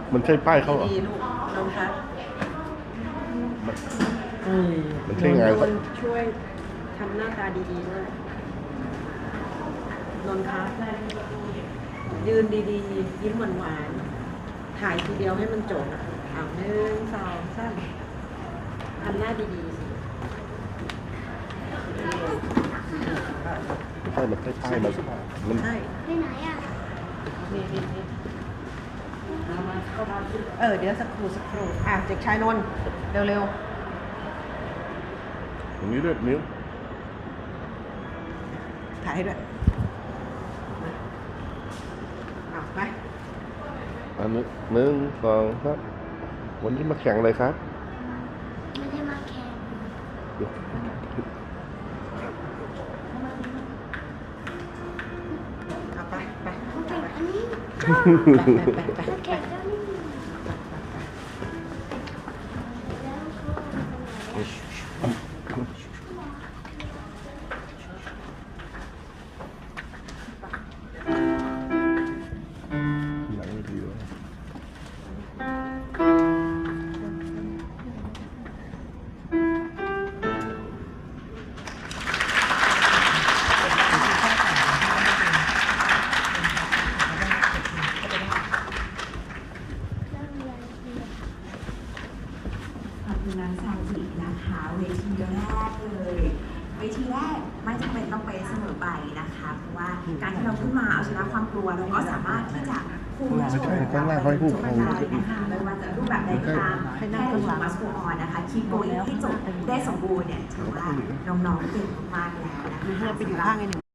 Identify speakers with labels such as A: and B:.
A: มันใช่ป้ายเขาเหรอ
B: ดีลูกนนท์คะ
A: มันใช่ไง
B: นนท์ช่วยทำหน้าตาดีๆด้วยนนท์คะยืนดีๆยิ้มหวานๆถ่ายทีเดียวให้มันจบอ่ะ1 2 3ทำหน้าดีๆสิ
A: ไม่ใช่มันใช่ป้ายมัน
B: ใช่
C: ไปไหนอ่ะ
B: นี่เดี๋ยวสักครู่เด็กชายนนท์เร็ว
A: ตรงนี้ด้วยนิ้ว
B: ๆถ่ายให้ด้วยไป
A: อันนี้1 2 3วันนี้มาแข่งอะไรครับ
C: ไม่ได้มาแข่ง
B: ไป
C: เขาแข่งอันนี้
B: ไป
C: เขาแข่งเจ้านี่แล้วก็
A: หลังดีเลย
D: ขอบคุณนางซาจินะคะเวทีแรกเลยเวทีแรกไม่จำเป็นต้องไปเสมอไปนะคะเพราะว่าการที่เราขึ้นมาเอาชนะความกลัวเราก็สามารถที่จะคุมโชว์ของเราไปทุกประการนะคะไม่ว่าจะรูปแบบใดก็ตามให้มาสโกออนนะคะคีโกยให้จบได้สมบูรณ์เนี่ยถือว่าน้องๆเก่งมากๆแล้วนะคะ
B: ไปอยู่ข้างไอ้หนึ่ง